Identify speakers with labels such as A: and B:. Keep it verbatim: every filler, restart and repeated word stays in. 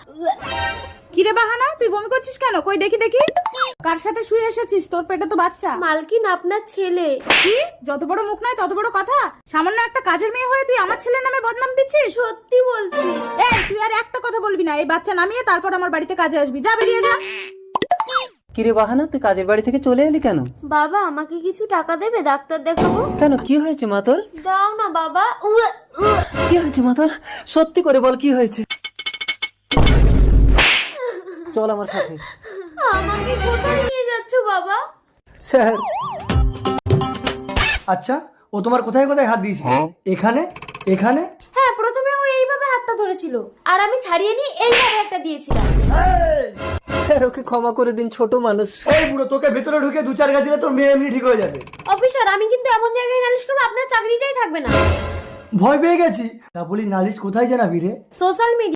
A: কিরে বাহানা, তুই বমি করছিস কেন? কই দেখি দেখি। কার সাথে শুয়ে এসেছিস? তোর পেটে তো বাচ্চা।
B: মালকিন, আপনার ছেলে।
A: কি? যত বড় মুখ নয় তত বড় কথা। সামান্য একটা কাজের মেয়ে হয়ে তুই আমার ছেলের নামে বদনাম দিচ্ছিস?
B: সত্যি বলছি।
A: এই তুই আর একটা কথা বলবি না। এই বাচ্চা নামিয়ে তারপর আমার বাড়িতে কাজে আসবি। যা, বেরিয়ে যা।
C: কিরে বাহানা, তুই কাজের বাড়ি থেকে চলে এলি কেন?
B: বাবা, আমাকে কিছু টাকা দেবে? ডাক্তার দেখাবো।
C: কেন, কি হয়েছে মা তোর?
B: দাও না বাবা। উয়া, উয়া।
C: কি হয়েছে মা তোর? সত্যি করে বল, কি হয়েছে? চল আমার সাথে।
B: আমাকে কোথায় নিয়ে যাচ্ছ বাবা?
C: স্যার।
D: আচ্ছা, ও তোমার কোথায় কোথায় হাত দিয়েছে? এখানে, এখানে?
B: হ্যাঁ, প্রথমে ও এইভাবে হাতটা ধরেছিল আর আমি ছাড়িয়ে নিয়ে এইভাবে একটা দিয়েছিলাম।
C: স্যার, ওকে ক্ষমা করে দিন, ছোট মানুষ।
D: এই বুড়ো, তোকে ভেতরে ঢুকে দু চার গাছ দিলে তোর মেয়ে এমনি ঠিক হয়ে যাবে।
B: অফিসার, আমি কিন্তু এমন জায়গায় নালিশ করবো আপনার চাকরিটাই থাকবে না।
D: ভয় পেয়ে গেছি। তা বলি, নালিশ কোথায় জানাবি রে?
B: Social media.